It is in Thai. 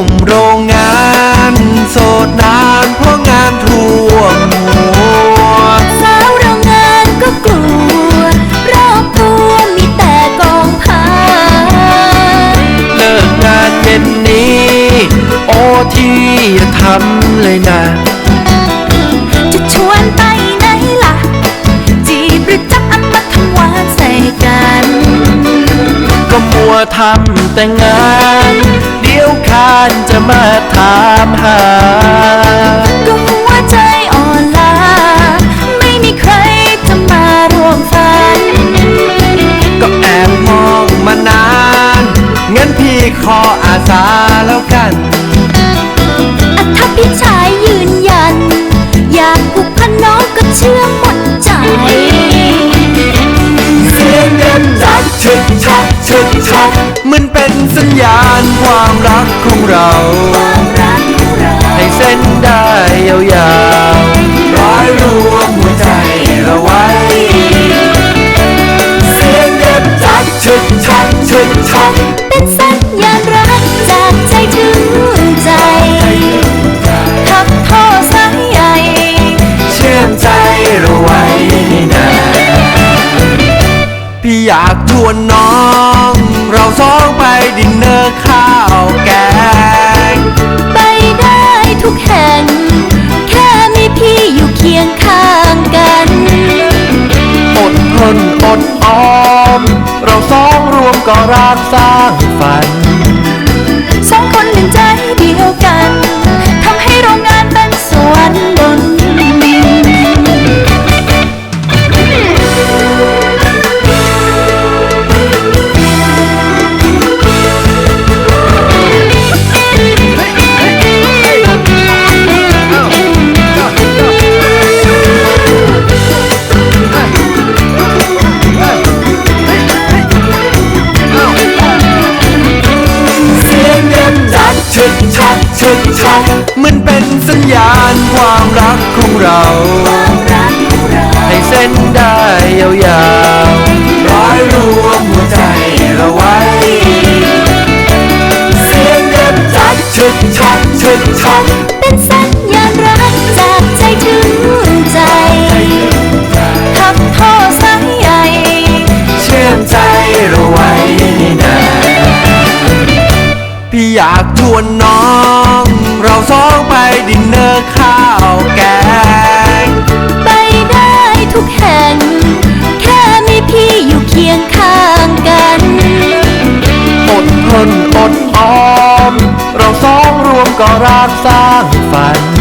นุ่มโรงงานโสดนานเพราะงานท่วมหัวสาวโรงงานก็กลัวรอบตัวมีแต่กองผ้าเลิกงานเย็นนี้โอที่อย่าทำเลยนะจะชวนไปไหนล่ะจีบหรือจับมาทำหวานใส่กันก็มัวทำแต่งานเดี๋ยวคานจะมาถามหาก็หัวใจอ่อนล้าไม่มีใครจะมาร่วมฝันก็แอบมองมานานงั้นพี่ขออาสาแล้วกันถ้าพี่ชายยืนยันอยากผูกพันน้องก็เชื่อหมดใจเสียงเงินจักชึกชักชึกชักมันเป็นสัญญาณความรักของเราให้เส้นได้ยาวๆร้อยรวมหัวใจเราไว้เสียงเงินจักชึกชักชึกชักเป็นสัญญาณรักจากใจถึงใจทับท่อสายใยเชื่อมใจเราไว้นานพี่อยากชวนน้องเราสองไปดินเนอร์ข้าวแกงไปได้ทุกแห่งแค่มีพี่อยู่เคียงข้างกันอดทนอดออมเราสองรวมก็รักสร้างฝันสองคนหนึ่งใจเดียวกันทำให้โรงงานเป็นสวรรค์บนชึกชักชึกชักมันเป็นสัญญาณความรักของเราให้เส้นได้ยาวๆร้อยรวมหัวใจเราไว้เสียงเงินจักชึกชักชึกชักเป็นสัญญาณรักจากใจถึงใจทับท่อสายใยเชื่อมใจเราไว้นานพี่อยากชวนน้องเราสองไปดินเนอร์ข้าวแกงไปได้ทุกแห่งแค่มีพี่อยู่เคียงข้างกันอดทนอดออมเราสองรวมก็รักสร้างฝัน